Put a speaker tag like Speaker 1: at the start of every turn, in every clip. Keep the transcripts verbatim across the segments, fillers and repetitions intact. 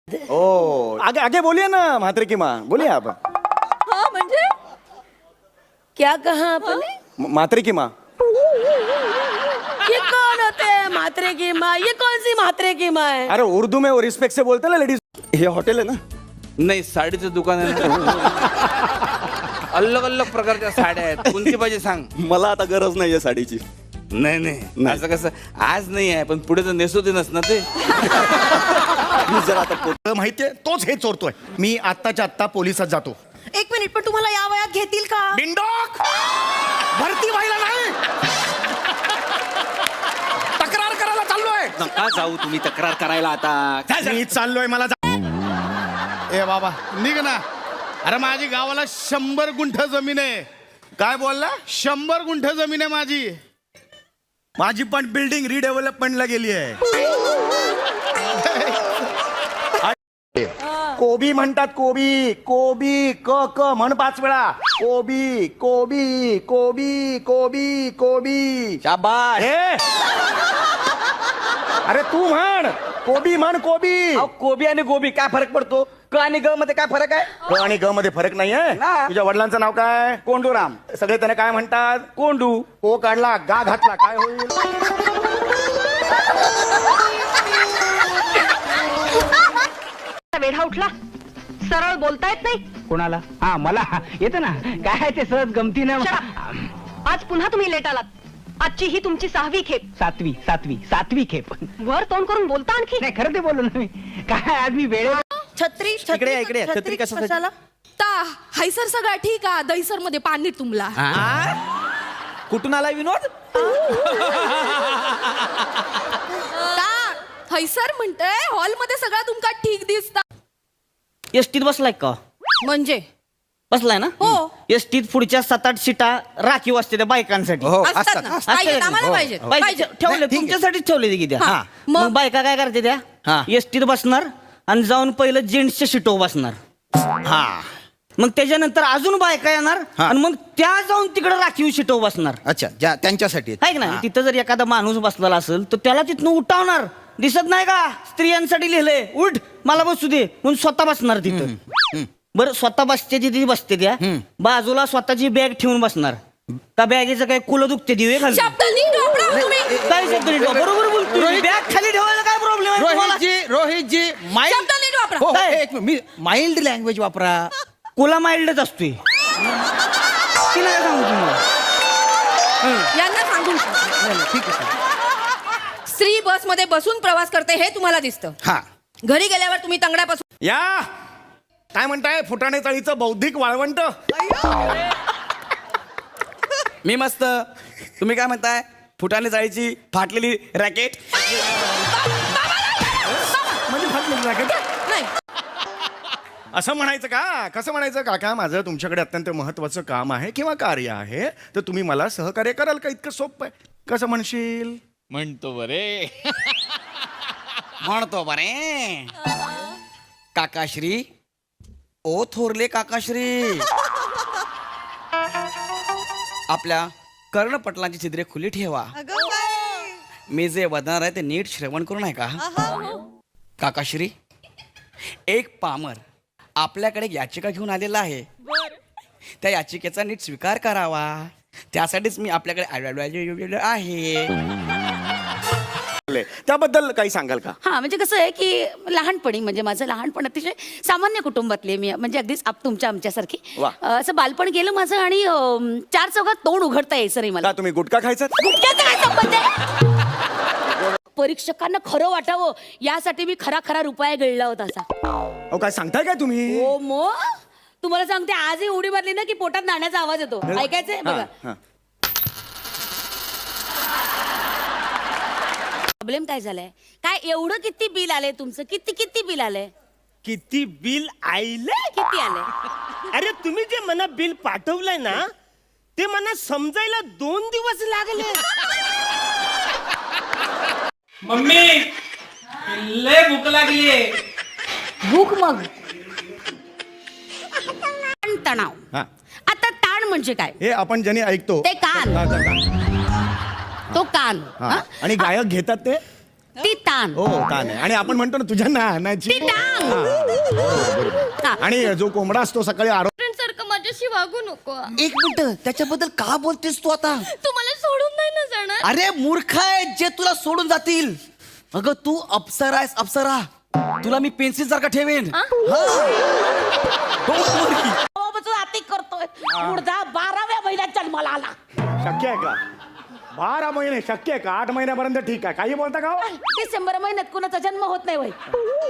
Speaker 1: ओ आगे आगे बोलिए ना म्हात्रे की माँ, बोलिए आप.
Speaker 2: हाँ म्हणजे क्या कहा आपने?
Speaker 1: म- म्हात्रे की माँ.
Speaker 2: ये कौन होते हैं मात्रे की माँ? ये कौन सी मात्रे की माँ है?
Speaker 1: अरे उर्दू में वो रिस्पेक्ट से बोलते ना लेडीज. हे हॉटेल आहे ना.
Speaker 3: नाही साडीचं दुकान आहे अलग अलग प्रकारच्या साड्या आहेत कोणती पाहिजे सांग.
Speaker 1: मला आता गरज नाहीये साडीची.
Speaker 3: नाही नाही असं कसं आज नाही आहे पण पुढे तर नेसू दे ना ते.
Speaker 1: मी जरा आता पो-
Speaker 4: माहितीये तोच हे चोरतोय. मी आत्ताच्या आत्ता पोलिसात जातो.
Speaker 2: एक मिनिट, पण तुम्हाला या वयात घेतील का?
Speaker 4: बिंडोक भरती व्हायला नाही, तक्रार करायला चाललोय.
Speaker 5: नका जाऊ तुम्ही तक्रार करायला आता.
Speaker 4: मी चाललोय मला जा- ए बाबा निघ ना. अरे माझी गावाला शंभर गुंठ जमीन आहे.
Speaker 1: काय बोलला?
Speaker 4: शंभर गुंठ जमीन आहे माझी.
Speaker 1: माझी पण बिल्डिंग रिडेव्हलपमेंटला गेली आहे. कोबी म्हणतात कोबी. कोबी क क म्हण पाच वेळा. कोबी कोबी कोबी कोबी कोबी.
Speaker 5: शाबास.
Speaker 1: ए! अरे तू म्हण कोबी म्हण कोबी.
Speaker 5: अहो, कोबी आणि गोबी काय फरक पडतो? क आणि ग मध्ये काय फरक आहे?
Speaker 1: क आणि ग मध्ये फरक नाहीये.
Speaker 5: ना.
Speaker 1: तुझ्या वडिलांचं नाव काय?
Speaker 5: कोंडूराम.
Speaker 1: सगळे त्याने काय म्हणतात?
Speaker 5: कोंडू.
Speaker 1: को काढला गा घातला काय होईल?
Speaker 6: वेढा उठला, सरळ बोलता येत नाही.
Speaker 7: कोणाला? हा मला येतं ना. काय ते सहज गमतीनं.
Speaker 6: आज पुन्हा तुम्ही लेट आलात. आजची ही तुमची सहावी खेप.
Speaker 7: सातवी सातवी सातवी खेप.
Speaker 6: वर तोंड करून बोलता आणखी.
Speaker 7: नाही खरं ते बोललो ना मी. काय आज मी वेळे.
Speaker 2: छत्री
Speaker 5: इकडे या, इकडे या. छत्री कशासाठी?
Speaker 2: कशाला?
Speaker 8: ता हैसर सगळा ठीक आहे. दहीसर मध्ये पाणी तुंबला.
Speaker 5: कुठून आला विनोद?
Speaker 8: ता हैसर म्हणतंय हॉल मध्ये सगळा तुमका ठीक दिसता.
Speaker 9: एसटीत बसलाय का?
Speaker 8: म्हणजे
Speaker 9: बसलाय ना?
Speaker 8: हो.
Speaker 9: एसटीत पुढच्या सात आठ सीटा राखीव असते त्या बायकांसाठी.
Speaker 5: हो
Speaker 8: असतात ना.
Speaker 9: असतात
Speaker 8: पाहिजेत,
Speaker 9: ना?
Speaker 8: आम्हाला
Speaker 9: हो.
Speaker 8: पाहिजेत.
Speaker 9: बायका
Speaker 8: पाहिजेत.
Speaker 9: ठेवले तुमच्यासाठीच ठेवले की त्या.
Speaker 8: हा. मग?
Speaker 9: मग बायका काय करते त्या?
Speaker 5: हा.
Speaker 9: एसटीत बसणार आणि जाऊन पहिलं जेंट्सच्या सीटो बसणार.
Speaker 5: हा
Speaker 9: मग त्याच्यानंतर अजून बायका येणार
Speaker 5: हा.
Speaker 9: आणि मग त्या जाऊन तिकडे राखीव सीटो बसणार.
Speaker 5: अच्छा ज्या त्यांच्यासाठी
Speaker 9: आहे ना? तिथं जर एखादा माणूस बसलेला असेल तर त्याला तिथनं उठावणार. दिसत नाही का स्त्रियांसाठी लिहिलंय उठ मला बसू दे म्हणून स्वतः बसणार तिथं. बरं स्वतः बसते तिथे बसते त्या बाजूला स्वतःची बॅग ठेवून बसणार का? बॅगेचं काय कुलं दुखते दिवे खाली.
Speaker 8: शब्द नीट वापरा तुम्ही.
Speaker 9: काय शब्द नीट वापरा? बरोबर बोलतोय. बॅग खाली ठेवायला काय प्रॉब्लेम आहे तुम्हाला?
Speaker 5: रोहितजी रोहितजी माइल्ड
Speaker 8: शब्द नीट वापरा.
Speaker 5: हो,
Speaker 9: काय?
Speaker 5: एक मिनिट, मी माइल्ड लँग्वेज वापरा.
Speaker 9: कुला माइल्डच असतोय. ती नाही सांगू तुम्हाला.
Speaker 8: यांना सांगून
Speaker 5: ठीक आहे.
Speaker 8: स्त्री बस मध्ये बसून प्रवास करते हे तुम्हाला दिसतं.
Speaker 5: हा
Speaker 8: घरी गेल्यावर तुम्ही तंगड्यापासून
Speaker 4: या काय म्हणताय फुटाणे चाळीचं बौद्धिक वाळवंट.
Speaker 5: मी मस्त. तुम्ही काय म्हणताय? फुटाने जायची फाटलेली रॅकेट.
Speaker 4: म्हणजे फाटलेली racket आहे?
Speaker 8: नाही.
Speaker 4: असं म्हणायचं का? कसं म्हणायचं? काका माझं तुमच्याकडे अत्यंत महत्वाचं काम आहे किंवा कार्य आहे तर तुम्ही मला सहकार्य कराल का? इतकं सोपं आहे. कसं म्हणशील?
Speaker 3: म्हणतो बरे.
Speaker 5: म्हणतो बरे. काकाश्री ओ थोरले काकाश्री. आपल्या कर्णपटलांची छिद्रे खुली ठेवा. मी जे वदणार आहे ते नीट श्रवण करून आहे का? काकाश्री एक पामर आपल्याकडे याचिका घेऊन आलेला आहे. त्या याचिकेचा नीट स्वीकार करावा. त्यासाठीच मी आपल्याकडे आलेलो आहे.
Speaker 1: त्याबद्दल काही सांगाल का?
Speaker 2: हा म्हणजे कसं आहे की लहानपणी म्हणजे माझं लहानपण अतिशय सामान्य कुटुंबातली मी म्हणजे अगदीच आप तुमच्या आमच्यासारखी.
Speaker 1: वा.
Speaker 2: अं, असं बालपण गेलं माझं आणि अं, चार चौघात तोंड उघडता यायचं नाही मला.
Speaker 1: का तुम्ही गुटखा खायचा?
Speaker 2: गुटख्याचा काय संबंध आहे? परीक्षकांना खरं वाटावं यासाठी मी खरा खरा रुपया गिळला होता असा.
Speaker 1: अहो काय सांगताय काय तुम्ही?
Speaker 2: हो मग तुम्हाला सांगते आजही उडी मारली ना की पोटात नाण्याचा आवाज येतो. ऐकायचंय बघा.
Speaker 1: हा.
Speaker 2: प्रॉब्लेम काय झालाय? काय एवढं किती बिल आलंय तुमचं? किती किती बिल आलंय?
Speaker 10: किती बिल आईले?
Speaker 2: किती आलंय?
Speaker 10: अरे तुम्ही जे मला बिल पाठवलंय ना ते मला समजायला दोन दिवस लागले.
Speaker 7: मम्मी लय भूक लागली.
Speaker 2: भूक मग ताण तणाव.
Speaker 4: हा.
Speaker 2: आता ताण म्हणजे काय?
Speaker 4: हे आपण ज्यांनी ऐकतो
Speaker 2: ते कान.
Speaker 4: हा, हा, हा.
Speaker 2: तो कान.
Speaker 4: हा.
Speaker 2: हा?
Speaker 4: आणि गायक घेतात ते
Speaker 2: ती तान
Speaker 4: हो तान आहे. आणि आपण म्हणतो ना तुझ्या नानाची
Speaker 2: टांग.
Speaker 4: हा, बरोबर, बरोबर.
Speaker 2: हा.
Speaker 4: आणि जो कोंबडा असतो सकाळी आरो
Speaker 8: सारखं माझ्याशी वागू नको
Speaker 5: एक मिनिट त्याच्याबद्दल का बोलतेस तू आता
Speaker 8: तू मला सोडून नाही ना जाणार.
Speaker 5: अरे मूर्ख आहे जे तुला सोडून जातील. अगं तू अप्सरा आहेस अप्सरा. तुला मी पेन्सिल सारखा ठेवेन. हा. Don't worry.
Speaker 2: अति करतोय मुर्दा बाराव्या महिन्यात जन्माला आला.
Speaker 4: शक्य आहे का बारा महिने शक्य आहे का आठ महिन्यापर्यंत ठीक आहे काही बोलता का हो?
Speaker 2: डिसेंबर महिन्यात कुणाचा जन्म होत नाही वय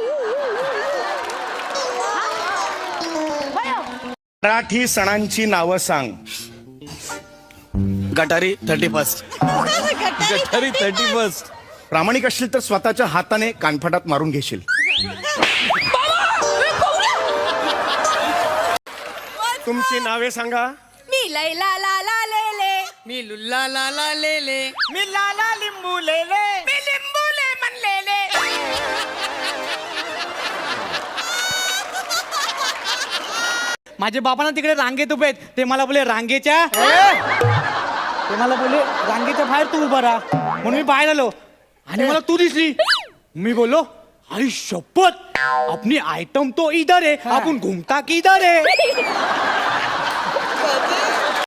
Speaker 4: मराठी सणांची नावं सांग.
Speaker 5: Gatari thirty first.
Speaker 3: Gatari thirty first.
Speaker 4: प्रामाणिक असशील तर स्वतःच्या हाताने कानफटात मारून घेशील. तुमची नावे सांगा.
Speaker 8: मी लैला ला ला ले ले.
Speaker 5: मी लुल्ला ला ला ले ले.
Speaker 10: मी लाला लिंबू लेले.
Speaker 8: मी लिंबू ले म्हणलेले.
Speaker 7: माझे बाबा ना तिकडे रांगेत उभे आहेत ते मला बोले रांगेच्या ते मला बोले रांगेच्या बाहेर तू उभा राहा म्हणून मी बाहेर आलो आणि मला तू दिसली. मी बोललो अरे शपथ अपनी आइटम तो इधर है आपण घूमता किधर है.